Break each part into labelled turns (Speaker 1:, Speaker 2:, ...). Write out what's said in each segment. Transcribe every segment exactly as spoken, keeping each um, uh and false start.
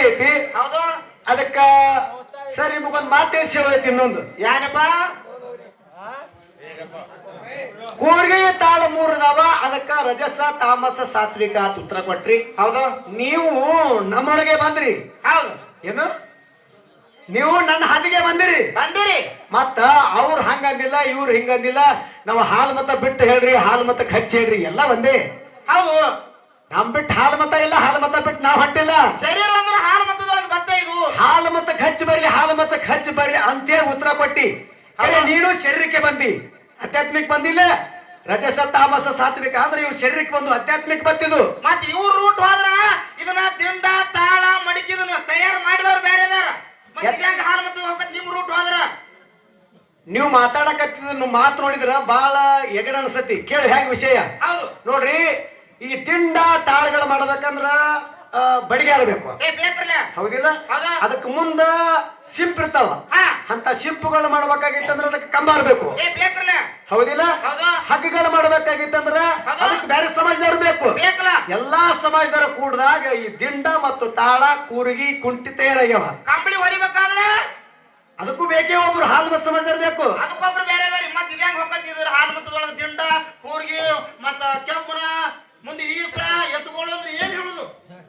Speaker 1: ಐತಿ.
Speaker 2: ಹೌದು.
Speaker 1: ಅದಕ್ಕ ಸರ್ ನಿಮಗೊಂದು ಮಾತು ತಿಳಿಸಿ ಹೋಯ್ತು. ಇನ್ನೊಂದು
Speaker 2: ಏನಪ್ಪ?
Speaker 1: ಕೂರ್ಗೆ ತಾಳ ಮೂರದವ. ಅದಕ್ಕ ರಜಸ ತಾಮಸ ಸಾತ್ವಿಕ ಅಂತ ಉತ್ತರ ಕೊಟ್ರಿ.
Speaker 2: ಹೌದು.
Speaker 1: ನೀವು ನಮ್ಮೊಳಗೆ ಬಂದ್ರಿ.
Speaker 2: ಹೌದು.
Speaker 1: ಏನು ನೀವು ನನ್ನ ಹಾದಿಗೆ ಬಂದಿರಿ
Speaker 2: ಬಂದಿರಿ.
Speaker 1: ಮತ್ತ ಅವ್ರು ಹಂಗಂದಿಲ್ಲ, ಇವ್ರು ಹಿಂಗಂದಿಲ್ಲ. ನಾವು ಹಾಲು ಮತ ಬಿಟ್ಟು ಹೇಳ್ರಿ, ಹಾಲು ಮತ ಹಚ್ಚಿ ಹೇಳ್ರಿ, ಎಲ್ಲ ಒಂದೇ.
Speaker 2: ಹೌದು.
Speaker 1: ನಮ್ ಬಿಟ್ಟು ಹಾಲು ಮತ ಇಲ್ಲ, ಹಾಲು ಮತ ಬಿಟ್ಟು ನಾವ್ ಹೊಂಟಿಲ್ಲ.
Speaker 2: ಶರೀರ ಅಂದ್ರೆ ಹಾಲು ಮತದೊಳಗೆ ಬತ್ತ ಇದು.
Speaker 1: ಹಾಲು ಮತ ಹಚ್ಚಿ ಬರ್ಲಿ, ಹಾಲು ಮತ ಹಚ್ಚಿ ಬರ್ಲಿ ಅಂತೇಳಿ ಉತ್ತರ ಕೊಟ್ಟಿ. ಅದೇ ನೀನು ಶರೀರಕ್ಕೆ ಬಂದಿ, ಆಧ್ಯಾತ್ಮಿಕ ಬಂದಿಲ್ಲ. ರಜಸ ತಾಮಸ ಸಾತ್ವಿಕ ಅಂದ್ರೆ ಇವ್ ಶರೀರಕ್ಕೆ ಬಂದು ಆಧ್ಯಾತ್ಮಿಕ ಬಂತಿದ್ದು.
Speaker 2: ಮತ್ ಇವ್ರ ರೂಟ್ ಹೋದ್ರ ಇದನ್ನ ದಿಂಡ ತಾಳ ಮಡಿಕಿದನ್ನ ತಯಾರು ಮಾಡಿದವ್ರು ಬೇರೆ ಇದಾರ. ಹಾಲು ಮತ ಹೋಗತ್ ನಿಮ್ ರೂಟ್ ಹೋದ್ರ
Speaker 1: ನೀವು ಮಾತಾಡಕತ್ತಿದ ಮಾತು ನೋಡಿದ್ರ ಬಾಳ ಎಗಡ ಅನ್ಸತಿ. ಕೇಳಿ ಹೆಂಗ್ ವಿಷಯ.
Speaker 2: ಹೌದು.
Speaker 1: ನೋಡ್ರಿ, ಈ ತಿಂಡ ತಾಳಗಳು ಮಾಡ್ಬೇಕಂದ್ರ ಬಡಿಗಾರಬೇಕು. ಹೌದಿಲ್ಲ? ಅದಕ್ಕೆ ಮುಂದ ಸಿಂಪ್ ಇರ್ತಾವ. ಅಂತ ಸಿಂಪುಗಳು ಮಾಡ್ಬೇಕಾಗಿತ್ತಂದ್ರ ಅದಕ್ಕೆ ಕಂಬಾರ್ಬೇಕು. ಹೌದಿಲ್ಲ? ಹಗ್ಗಗಳು ಮಾಡ್ಬೇಕಾಗಿತ್ತಂದ್ರ ಅದಕ್ಕೆ ಬೇರೆ ಸಮಾಜದವ್ರು ಬೇಕು. ಎಲ್ಲಾ ಸಮಾಜದವ್ರ ಕೂಡದಾಗ ಈ ದಿಂಡ ಮತ್ತು ತಾಳ ಕೂರ್ಗಿ ಕುಂಟಿ ತಯಾರಾಗ್ಯಾವ.
Speaker 2: ಕಂಬಳಿ ಹೊಲಿಬೇಕಾದ್ರೆ
Speaker 1: ಅದಕ್ಕೂ ಬೇಕೇ ಒಬ್ರು ಹಾಲು ಮತ ಸಮಾಜದವ್ರು ಬೇಕು.
Speaker 2: ಅದಕ್ಕೊಬ್ರು ಬೇರೆ ಮತ್ ಇದ್ಯಾಂಗ ಹೋಗ್ತಿದ್ರು ಹಾಲು ಮತದೊಳಗೆ ದಿಂಡ ಕೂರ್ಗಿ ಮತ್ತ ಕೆಂಪುನ ಮುಂದೆ ಈಸ ಎತ್ತುಗಳು ಅಂದ್ರೆ ಏನ್ ಹೇಳುದು?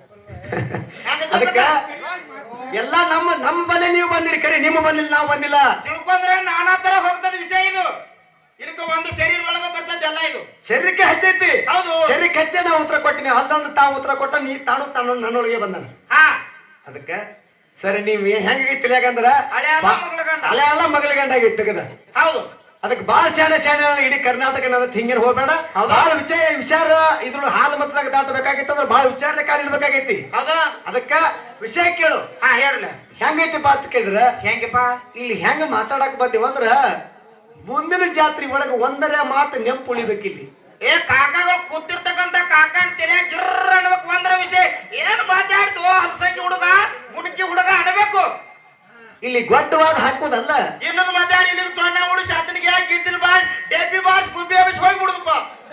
Speaker 1: ಅದಕ್ಕ ಎಲ್ಲಾ ನಮ್ಮ ನಮ್ಮ ಬಂದೆ ನೀವು ಬಂದಿರಿ, ಕರೆ ನಿಮ್ಮ ಬಂದಿಲ್ಲ, ನಾವು ಬಂದಿಲ್ಲ.
Speaker 2: ತಿಳ್ಕೊಂಡ್ರೆ ನಾನಾ ತರ ಹೋಗ್ತದ ವಿಷಯ ಇದು. ಇದಕ್ಕ ಒಂದು ಶರೀರ ಒಳಗ ಬರ್ತದೆ ಎಲ್ಲ ಇದು.
Speaker 1: ಶರೀರಕ್ಕೆ ಹಚ್ಚೈತಿ.
Speaker 2: ಹೌದು.
Speaker 1: ಶರೀರಕ್ಕೆ ಹಚ್ಚೆ ನಾವು ಉತ್ತರ ಕೊಟ್ಟಿನಿ. ಅಲ್ಲೊಂದು ತಾವು ಉತ್ತರ ಕೊಟ್ಟ ನೀ ತಾನು ತಾನು ನನ್ನೊಳಗೆ ಬಂದನ.
Speaker 2: ಹಾ
Speaker 1: ಅದಕ್ಕ ಸರಿ ನೀವ್ ಹೆಂಗೈತಿ ಯಾಕಂದ್ರ
Speaker 2: ಹಳೆ ಮಗಳ ಗಂಡ
Speaker 1: ಹಳೆ ಅಲ್ಲ ಮಗಳ ಗಂಡಾಗಿತ್ತು ಕದ.
Speaker 2: ಹೌದು.
Speaker 1: ಅದಕ್ಕೆ ಬಾಳ ಶಾಣೆ ಶಾಣೆ ಇಡೀ ಕರ್ನಾಟಕ ಹಿಂಗೇನ್ ಹೋಗ್ಬೇಡ. ಬಾಳ ವಿಚಾರ ವಿಚಾರ ಇದ್ರ ಹಾಲು ಮತದಾಗ ದಾಟಬೇಕಾಗಿತ್ತು ಅಂದ್ರೆ ಬಾಳ ವಿಚಾರ ಕಾಲಿಡ್ಬೇಕಾಗೈತಿ.
Speaker 2: ಹೌದಾ?
Speaker 1: ಅದಕ್ಕ ವಿಷಯ ಕೇಳು.
Speaker 2: ಹಾ ಹೇಳಲ್ಲ.
Speaker 1: ಹೆಂಗೈತಿಪ್ಪ ಅಂತ ಕೇಳಿದ್ರ
Speaker 2: ಹೆಂಗಪ್ಪ
Speaker 1: ಇಲ್ಲಿ ಹೆಂಗ ಮಾತಾಡಕ್ ಬಂದಿವ ಅಂದ್ರ ಮುಂದಿನ ಜಾತ್ರೆ ಒಳಗ ಒಂದರ ಮಾತು ನೆಂಪು ಉಳಿಬೇಕಿಲ್ಲಿ.
Speaker 2: ಏ ಕಾಕಾಗಳು ಕೂತಿರ್ತಕ್ಕಂತ ಕಾಕನ್ ತೆರೆ ಗಿರ್ರ ಅನ್ಬೇಕು. ಒಂದರ ವಿಷಯ ಏನ್ ಮಾತಾಡ್ತು ಹಲಸಂಗಿ ಹುಡುಗ ಗುಣಕಿ ಹುಡುಗ ಅನ್ಬೇಕು.
Speaker 1: ಇಲ್ಲಿ ಗೊಡ್ಡವಾದ ಹಾಕೋದಲ್ಲ.
Speaker 2: ಇನ್ನೊಂದು ಮಾತಾಡಿ ಇಲ್ಲಿ ಸೊಣ್ಣ ಹುಡು ಶಾತನಿಗೆ ಗಿದ್ದಿನ ಬಾಳ್ ಡೆಬ್ಬಿ ಬಾಳ್ ಗುಬ್ಬಿ ಹಬ್ಬಿಸಿ ಹೋಗಿ ಬಿಡುದಪ್ಪ.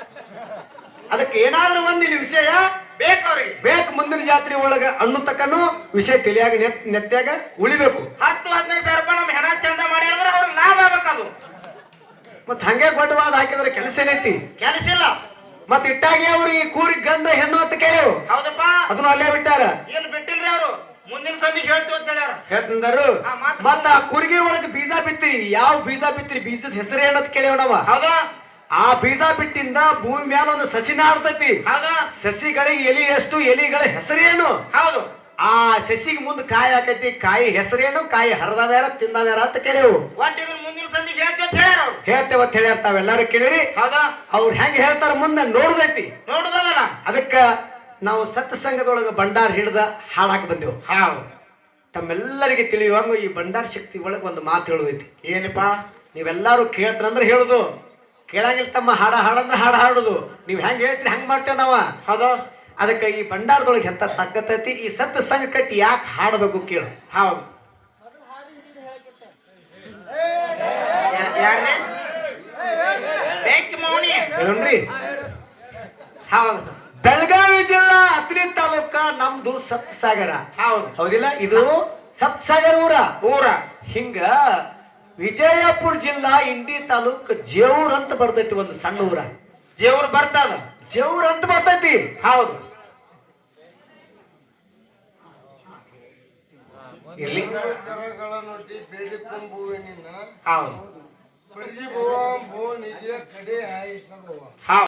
Speaker 1: ಅದಕ್ಕೆ ಏನಾದ್ರೂ ಒಂದ್ ಇಲ್ಲಿ ವಿಷಯ
Speaker 2: ಬೇಕವ್ರಿಗೆ
Speaker 1: ಬೇಕು. ಮುಂದಿನ ಜಾತ್ರೆ ಒಳಗ ಅಣ್ಣು ತಕ್ಕನು ವಿಷಯ ತಿಳಿಯಾಗ ನೆತ್ ನೆತ್ತಾಗ ಉಳಿಬೇಕು.
Speaker 2: ಹತ್ತು ಹದಿನೈದು ಸಾವಿರ ರೂಪಾಯಿ ನಮ್ ಹೆಣ ಚಂದ ಮಾಡಿ ಹೇಳಿದ್ರೆ ಅವ್ರಿಗೆ ಲಾಭ ಆಗ್ಬೇಕದು.
Speaker 1: ಮತ್ ಹಂಗೆ ಗೊಡ್ಡವಾದ ಹಾಕಿದ್ರೆ ಕೆಲಸ ಏನೈತಿ?
Speaker 2: ಕೆಲಸ ಇಲ್ಲ.
Speaker 1: ಮತ್ ಇಟ್ಟಾಗಿ ಅವ್ರಿಗೆ ಕೂರಿ ಗಂಡ ಹೆಣ್ಣು ಅಂತ ಕೇಳು.
Speaker 2: ಹೌದಪ್ಪ.
Speaker 1: ಅದನ್ನ ಅಲ್ಲೇ ಬಿಟ್ಟಾರ.
Speaker 2: ಏನ್ ಬಿಟ್ಟಿಲ್ರಿ ಅವರು. ಮುಂದಿನ ಸಂದಿಗೆ ಹೇಳ್ತೀವಿ ಅಂತ ಹೇಳ್ಯಾರ.
Speaker 1: ಹೇಳ್ತಂದರು. ಮತ್ತ ಆ ಕುರ್ಗಿ ಒಳಗೆ ಬೀಜ ಬಿತ್ತಿರಿ. ಯಾವ ಬೀಜ ಬಿತ್ತಿರಿ, ಬೀಜದ ಹೆಸರು ಏನಂತ ಕೇಳಿವಣವ.
Speaker 2: ಹೌದಾ?
Speaker 1: ಆ ಬೀಜ ಬಿಟ್ಟಿಂದ ಭೂಮಿ ಮ್ಯಾಲ ಒಂದು ಸಸಿ ನಾಡ್ತೈತಿ.
Speaker 2: ಹೌದಾ?
Speaker 1: ಸಸಿಗಳಿಗೆ ಎಲಿ ಎಷ್ಟು, ಎಲಿಗಳ ಹೆಸರೇನು?
Speaker 2: ಹೌದು.
Speaker 1: ಆ ಸಸಿಗೆ ಮುಂದೆ ಕಾಯಿ ಹಾಕೈತಿ. ಕಾಯಿ ಹೆಸರೇನು, ಕಾಯಿ ಹರಿದವ್ಯಾರ ತಿಂದವ್ಯಾರ ಅಂತ ಕೇಳಿವು.
Speaker 2: ಒಟ್ಟು ಇದನ್ನ ಮುಂದಿನ ಸಂದಿಗೆ ಹೇಳ್ತೀವಿ ಅಂತ ಹೇಳ್ಯಾರ ಅವ್ರು.
Speaker 1: ಹೇಳ್ತೇವ ಅಂತ ಹೇಳ್ಯಾರ. ತಾವೆಲ್ಲಾರು ಕೇಳಿರಿ.
Speaker 2: ಹೌದಾ?
Speaker 1: ಅವ್ರು ಹೆಂಗ ಹೇಳ್ತಾರ ಮುಂದೆ ನೋಡುದೈತಿ.
Speaker 2: ನೋಡುದಲ್ಲ.
Speaker 1: ಅದಕ್ಕ ನಾವು ಸತ್ಸಂಗದೊಳಗ ಭಂಡಾರ ಹಿಡ್ದ ಹಾಡಾಕ್ ಬಂದೆವು.
Speaker 2: ಹೌದು.
Speaker 1: ತಮ್ಮೆಲ್ಲರಿಗೆ ತಿಳಿಯುವಂಗ ಈ ಭಂಡಾರ ಶಕ್ತಿ ಒಳಗೆ ಒಂದು ಮಾತು ಹೇಳುದೈತಿ.
Speaker 2: ಏನಪ್ಪಾ?
Speaker 1: ನೀವೆಲ್ಲಾರು ಕೇಳ್ತಾರಂದ್ರೆ ಹೇಳುದು, ಕೇಳಂಗಿಲ್ಲ ತಮ್ಮ ಹಾಡ ಹಾಡಂದ್ರೆ ಹಾಡ ಹಾಡುದು. ನೀವ್ ಹೆಂಗ್ ಹೇಳ್ತೀರಿ ಹಂಗ್ ಮಾಡ್ತೇವ್ ನಾವ.
Speaker 2: ಹೌದು.
Speaker 1: ಅದಕ್ಕೆ ಈ ಭಂಡಾರದೊಳಗೆ ಎಂತ ತಕ್ಕತೈತಿ. ಈ ಸತ್ ಸಂಘ ಕಟ್ಟಿ ಯಾಕೆ ಹಾಡಬೇಕು ಕೇಳು.
Speaker 2: ಹೌದು.
Speaker 1: ಹೇಳೋಣ್ರಿ.
Speaker 2: ಹೌದು.
Speaker 1: ಬೆಳಗಾವಿ ಜಿಲ್ಲಾ ಅತ್ರಿ ತಾಲೂಕ ನಮ್ದು ಸಪ್ತಸಾಗರ.
Speaker 2: ಹೌದು.
Speaker 1: ಹೌದಿಲ್ಲ? ಇದು ಸಪ್ತಸಾಗರ ಊರ
Speaker 2: ಊರ
Speaker 1: ಹಿಂಗ ವಿಜಯಪುರ ಜಿಲ್ಲಾ ಇಂಡಿ ತಾಲೂಕ್ ಜೇವೂರ್ ಅಂತ ಬರ್ತೈತಿ. ಒಂದು ಸಣ್ಣ ಊರ
Speaker 2: ಜೇವ್ರು ಬರ್ತದ.
Speaker 1: ಜೇವೂರ್ ಅಂತ ಬರ್ತೈತಿ.
Speaker 2: ಹೌದು.
Speaker 1: ಇಲ್ಲಿ
Speaker 2: ಹೌದು.